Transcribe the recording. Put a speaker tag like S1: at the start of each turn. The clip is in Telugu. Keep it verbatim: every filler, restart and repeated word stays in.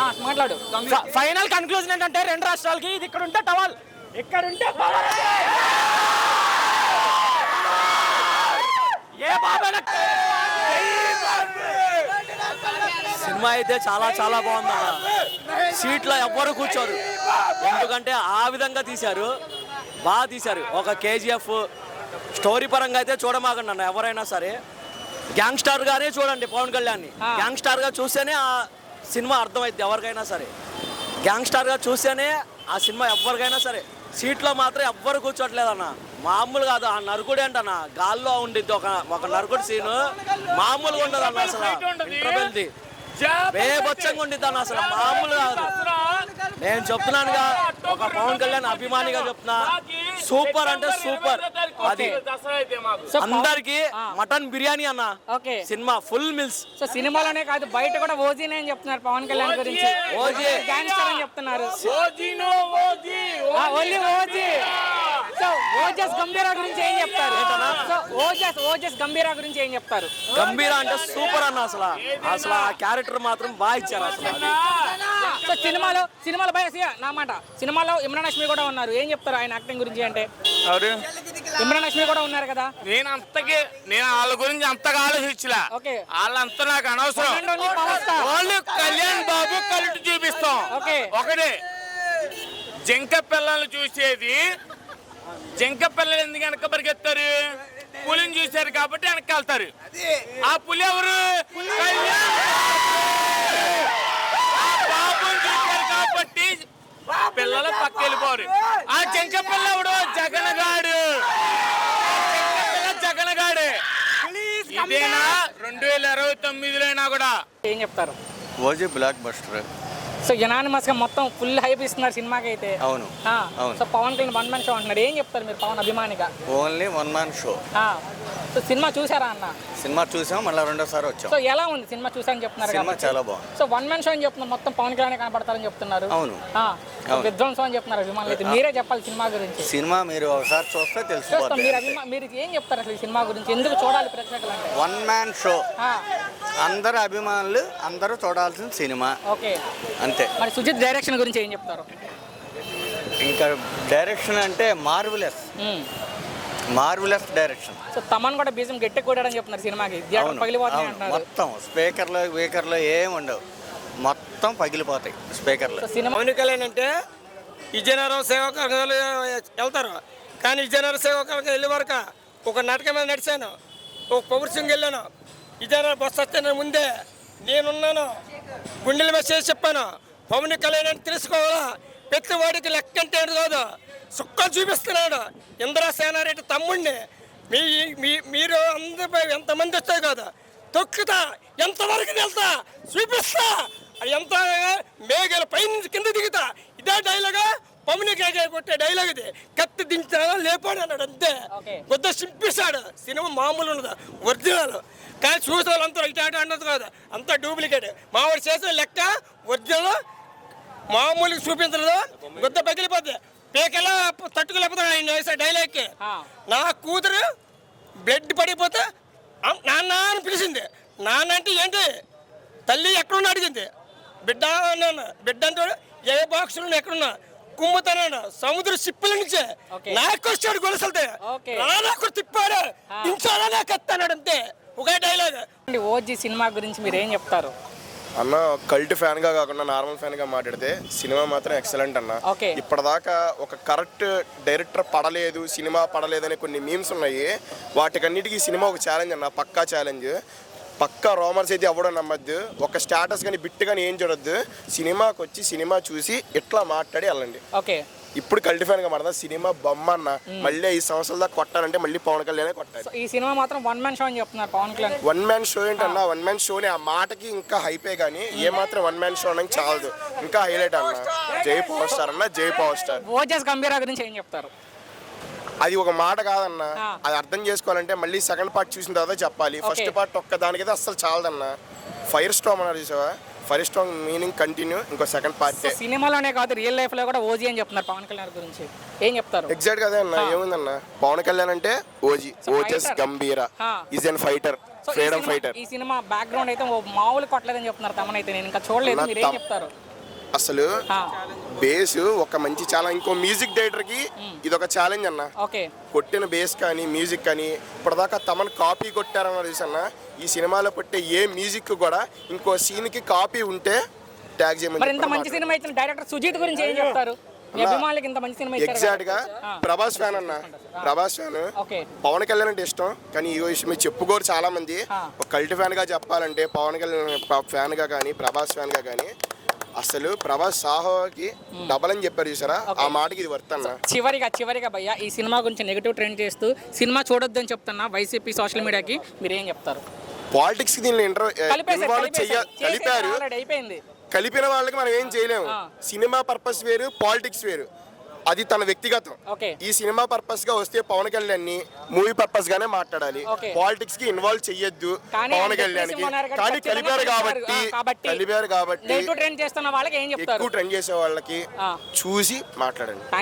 S1: మాట్లాడు.
S2: ఫైనల్ కన్క్లూజన్ ఏంటంటే రెండు రాష్ట్రాలకి ఇది ఇక్కడ ఉంటే టవల్, ఇక్కడ ఉంటే ఏ బాబా.
S3: సినిమా అయితే చాలా చాలా బాగుందన్న. సీట్లో ఎవ్వరు కూర్చోరు, ఎందుకంటే ఆ విధంగా తీశారు, బాగా తీశారు. ఒక కేజీఎఫ్ స్టోరీ పరంగా అయితే చూడమాకండి అన్న ఎవరైనా సరే. గ్యాంగ్స్టార్ గానే చూడండి పవన్ కళ్యాణ్ని. గ్యాంగ్స్టార్గా చూస్తేనే ఆ సినిమా అర్థమైంది ఎవరికైనా సరే. గ్యాంగ్స్టార్గా చూస్తేనే ఆ సినిమా ఎవరికైనా సరే. సీట్లో మాత్రం ఎవ్వరు కూర్చోట్లేదన్న, మామూలు కాదు. ఆ నరుకుడు ఏంటన్న గాల్లో ఉండిద్ది ఒక ఒక నరుకుడు సీను, మామూలుగా ఉండదు అన్న. అసలు ఇంటర్వెల్ది బేబచ్చంగా ఉండిద్ది అన్న, అసలు మామూలు కాదు. నేను చెప్తున్నానుగా, ఒక పవన్ కళ్యాణ్ అభిమానిగా చెప్తున్నా, సూపర్ అంటే సూపర్. అది అందరికి మటన్ బిర్యానీ అన్న సినిమా ఫుల్ మిల్స్.
S1: సో సినిమాలోనే కాదు బయట కూడా ఓజీనే అని చెప్తున్నారు పవన్ కళ్యాణ్ గురించి.
S3: ఓజీ
S1: గ్యాంగ్స్టర్ అని చెప్తున్నారు. Only OG. So Ojas Gambheera గురించి ఏం చెప్తారు? సో ఓజస్ ఓజస్ గంభీరా గురించి ఏం చెప్తారు?
S3: గంభీరా అంటే సూపర్ అన్న. అసలు అసలు ఆ క్యారెక్టర్ మాత్రం బాగా ఇచ్చారు అసలు.
S1: సో సినిమాలో సినిమాలో భయ నా మాట సినిమాలో ఇమ్రాన్ హష్మీ కూడా ఉన్నారు, ఏం చెప్తారు ఆయన యాక్టింగ్ గురించి అంటే? ఇమ్రాన్ హష్మీ కూడా ఉన్నారు కదా.
S4: నేను అంతకి నేను వాళ్ళ గురించి అంతగా ఆలోచించలే. వాళ్ళంతా నాకు అనవసరం. వాళ్ళు కళ్యాణ్ బాబు కలిసి చూపిస్తాం. ఒకటే జింక పిల్లల్ని చూసేది, జింక పిల్లలు ఎందుకు వెనక పరిగెత్తారు? పులిని చూశారు కాబట్టి వెనక్కి వెళ్తారు. ఆ పులి ఎవరు? బాబుని చూశారు కాబట్టి పిల్లలు పక్క వెళ్ళిపోరు. ఆ జింక పిల్ల ఎవడు? జగన్గాడు. జగన్గాడు ఇదేనా రెండు వేల ఇరవై తొమ్మిదిలో అయినా కూడా
S1: ఏం చెప్తారు?
S5: OG blockbuster.
S1: So unanimous గా మొత్తం ఫుల్ హైప్ ఇస్తున్నారు సినిమాకి అయితే.
S5: అవును.
S1: So Pawan Kalyan one man show అంటున్నారు, ఏం చెప్తారు మీరు పవన్ అభిమానిగా?
S5: Only one man show.
S1: So సినిమా చూసారా అన్న?
S5: సినిమా చూసాం, మళ్ళీ రెండోసారి వచ్చాం.
S1: సో ఎలా ఉంది సినిమా చూసారని చెప్తున్నారు?
S5: సినిమా చాలా బాగుంది.
S1: సో వన్ మ్యాన్ షో అని చెప్తున్నారు, మొత్తం పవన్ కళ్యాణ్ కనపడతారని చెప్తున్నారు.
S5: అవును.
S1: విధ్వంసం అని చెప్తున్నారు అభిమానులు అయితే. మీరే చెప్పాలి సినిమా గురించి.
S5: సినిమా మీరు ఒకసారి చూస్తే తెలుస్తుంది.
S1: మీరు అభిమా మీరు ఏం చెప్తారు అసలు సినిమా గురించి, ఎందుకు చూడాలి ప్రేక్షకులు అంటే?
S5: వన్ మ్యాన్ షో, అందరు అభిమానులు అందరూ చూడాల్సిన సినిమా.
S1: ఓకే,
S5: అంతే.
S1: మరి సుజిత్ డైరెక్షన్ గురించి ఏం చెప్తారు?
S5: ఇంకా డైరెక్షన్ అంటే marvellous, marvellous direction.
S1: So Thaman కూడా బీజం గట్టి కొట్టాడని చెప్తున్నారు సినిమాకి. పగిలిపోతాయి అంటున్నారు.
S5: మొత్తం స్పీకర్లు వీకర్లు ఏమి ఉండవు, మొత్తం పగిలిపోతాయి స్పీకర్లు.
S2: పవన్ కళ్యాణ్ అంటే విజయనగరం సేవకులు వెళ్తారు, కానీ విజయనగరం సేవకులకు వెళ్ళే వరకు ఒక నాటకం మీద నడిచాను, ఒక పౌరుషంగా వెళ్ళాను. విజయనగరం బస్సు వస్తే ముందే నేనున్నాను, గుండెల మీద చేసి చెప్పాను పవన్ కళ్యాణ్ అంటే తెలుసుకోవాలా, ప్రతి వాడికి లెక్క అంటే కాదు, సుక్కలు చూపిస్తున్నాడు. ఇంద్రసేనారెడ్డి తమ్ముడిని మీ మీ మీరు అందరిపై ఎంతమంది వచ్చాయి కదా, తొక్కుతా ఎంతవరకు వెళ్తా చూపిస్తా, ఎంత మేఘాల పైనుంచి కింద దిగుతా. ఇదే డైలాగా పవన్ కళ్యాణ్ కొట్టే డైలాగ్ ఇది. కత్తి దించాడా లేపాడు అన్నాడు, అంతే. కొద్ది చింపిస్తాడు. సినిమా మామూలు ఉండదు, ఒరిజినల్. కానీ చూసే వాళ్ళంతా ఇటు అటు అన్నది కాదు, అంతా డూప్లికేట్. మావాడు చేసిన లెక్క ఒరిజినల్, మామూలుగా చూపించలేదు. గుద్ద పగిలిపోద్ది, పేకెలా తట్టుకోలేకపోతాడు ఆయన వేసే డైలాగ్కి. నా కూతురు బ్లడ్ పడిపోతే నాన్న అని పిలిచింది. నాన్న అంటే ఏంటి, తల్లి ఎక్కడున్నా అడిగింది. బిడ్డ అన్నాను, బిడ్డ అంటే ఏ బాక్సులు ఎక్కడున్నా కుమ్ముతాను. సముద్ర సిప్పుల నుంచే నాకు వచ్చాడు గొలుసులతో, నాకు తిప్పాడు, దించాలనే కత్తాడు, అంతే. ఒకే డైలాగ్.
S1: ఓజీ సినిమా గురించి మీరు ఏం చెప్తారు
S6: అన్న? కల్ట్ ఫ్యాన్ గా కాకుండా నార్మల్ ఫ్యాన్ గా మాట్లాడితే సినిమా మాత్రం ఎక్సలెంట్ అన్న. ఇప్పటిదాకా ఒక కరెక్ట్ డైరెక్టర్ పడలేదు, సినిమా పడలేదు అనే కొన్ని మీమ్స్ ఉన్నాయి. వాటికన్నిటికీ సినిమా ఒక ఛాలెంజ్ అన్న, పక్కా ఛాలెంజ్. పక్కా రోమర్స్ అయితే అవ్వడం నమ్మద్దు, ఒక స్టాటస్ కానీ బిట్ కానీ ఏం చూడొద్దు. సినిమాకి వచ్చి సినిమా చూసి ఇట్లా మాట్లాడి వెళ్ళండి.
S1: ఓకే,
S6: ఇప్పుడు కల్ట్ ఫ్యాన్ గా మాట్లాడదా, సినిమా బొమ్మ అన్న. మళ్ళీ ఐదు సంవత్సరాల దాకా కొట్టాలంటే మళ్ళీ పవన్ కళ్యాణ్ కొట్టాలి.
S1: ఈ సినిమా మాత్రం వన్ మ్యాన్ షో అని చెప్తున్నారు Pawan Kalyan.
S6: One man show ఏంటన్నా, వన్ మ్యాన్ షోని ఆ మాటకి ఇంకా హైపే కానీ ఏ మాత్రం వన్ మ్యాన్ షో అనకి చాలదు, ఇంకా హైలైట్ అన్న. జై పవర్ స్టార్ అన్న, జై పవర్ స్టార్.
S1: ఓజస్ గంభీరా గురించి ఏం చెప్తారు?
S6: అది ఒక మాట కాదన్న, అది అర్థం చేసుకోవాలంటే మళ్ళీ సెకండ్ పార్ట్ చూసిన తర్వాత చెప్పాలి. ఫస్ట్ పార్ట్ ఒక్క దానికైతే అస్సలు చాలదన్న. ఫైర్ స్టామ్ అన్నారు చూసావా, ఫైర్ స్టామ్ మీనింగ్ కంటిన్యూ, ఇంకో సెకండ్ పార్ట్.
S1: సినిమాలోనే కాదు రియల్ లైఫ్ లో కూడా ఓజీ అని చెప్తున్నారు పవన్ కళ్యాణ్ గురించి, ఏం చెప్తారు?
S6: ఎగ్జాక్ట్ గా అదే అన్న. ఏముందన్న, పవన్ కళ్యాణ్ అంటే OG, Ojas Gambheera, is an fighter, freedom fighter.
S1: ఈ సినిమా బ్యాక్గ్రౌండ్ అయితే మామూలు కొట్టలేదని చెప్తున్నారు తమనైతే, నేను ఇంకా చూడలేదు, మీరు ఏం చెప్తారు?
S6: అసలు
S1: ఆ,
S6: బేస్ ఒక మంచి చాలా ఇంకో మ్యూజిక్ డైరెక్టర్ కి ఇది ఒక ఛాలెంజ్ అన్న.
S1: ఓకే
S6: కొట్టిన బేస్ కానీ మ్యూజిక్ కానీ ఇప్పటిదాకా తమను కాపీ కొట్టారన్న తెలుసన్న. ఈ సినిమాలో పెట్టే ఏ మ్యూజిక్ కూడా ఇంకో సీన్ కి కాపీ ఉంటే ట్యాగ్
S1: మరి ఇంత
S6: చేయమని
S1: మంచి సినిమా ఇచ్చిన డైరెక్టర్ సుజీత్ గురించి ఏం చెప్తారు? మీ అభిమానులకి ఇంత మంచి సినిమా ఇచ్చారు
S6: ఎగ్జాక్ట్ గా
S1: కదా? ఆ,
S6: ప్రభాస్ ఫ్యాన్ అన్న. ప్రభాస్ ఫ్యాన్.
S1: ఓకే
S6: పవన్ కళ్యాణ్ అంటే ఇష్టం కానీ ఈ విషయం మీరు చెప్పుకోరు చాలా మంది.
S1: ఆ.
S6: ఒక కల్ట్ ఫ్యాన్ గా చెప్పాలంటే పవన్ కళ్యాణ్ ఫ్యాన్ గా కానీ ప్రభాస్ ఫ్యాన్ గా కానీ అసలు ప్రభాస్ సాహోకి డబల్ అని చెప్పారు చూసారా, ఆ మాటకి ఇది వర్త్ అన్న.
S1: చివరిగా చివరిగా భయ్య ఈ సినిమా గురించి నెగిటివ్ ట్రెండ్ చేస్తూ సినిమా చూడొద్దని చెప్తున్నా వైసీపీ సోషల్ మీడియాకి మీరు ఏం చెప్తారు?
S6: పాలిటిక్స్ కి దీనిలో ఇంటర్
S1: కలిపేశారు,
S6: ఇన్వాల్వ్
S1: కలిపేశారు.
S6: చెయ్య కలిపారు.
S1: చేసేసారు, already అయిపోయింది.
S6: కలిపిన వాళ్ళకి మనం ఏం చేయలేము.
S1: ఆ.
S6: సినిమా పర్పస్ వేరు, పాలిటిక్స్ వేరు. అది తన వ్యక్తిగతం.
S1: ఓకే
S6: ఈ సినిమా పర్పస్ గా వస్తే పవన్ కళ్యాణ్ ని మూవీ పర్పస్ గానే మాట్లాడాలి.
S1: ఓకే.
S6: పాలిటిక్స్ కి ఇన్వాల్వ్ చెయ్యొద్దు
S1: కానీ
S6: పవన్
S1: ఆయన
S6: కళ్యాణ్ కి.
S1: చెప్పేసి ఉన్నారు కదా,
S6: కానీ
S1: ఖచ్చితంగా
S6: కలిపారు కాబట్టి
S1: ఆ, కాబట్టి
S6: కలిపారు కాబట్టి
S1: నెగిటివ్ ట్రెండ్ చేస్తున్న వాళ్ళకి ఏం చెప్తారు?
S6: ఎక్కువ ట్రెండ్ చేసే వాళ్ళకి
S1: ఆ.
S6: చూసి మాట్లాడండి.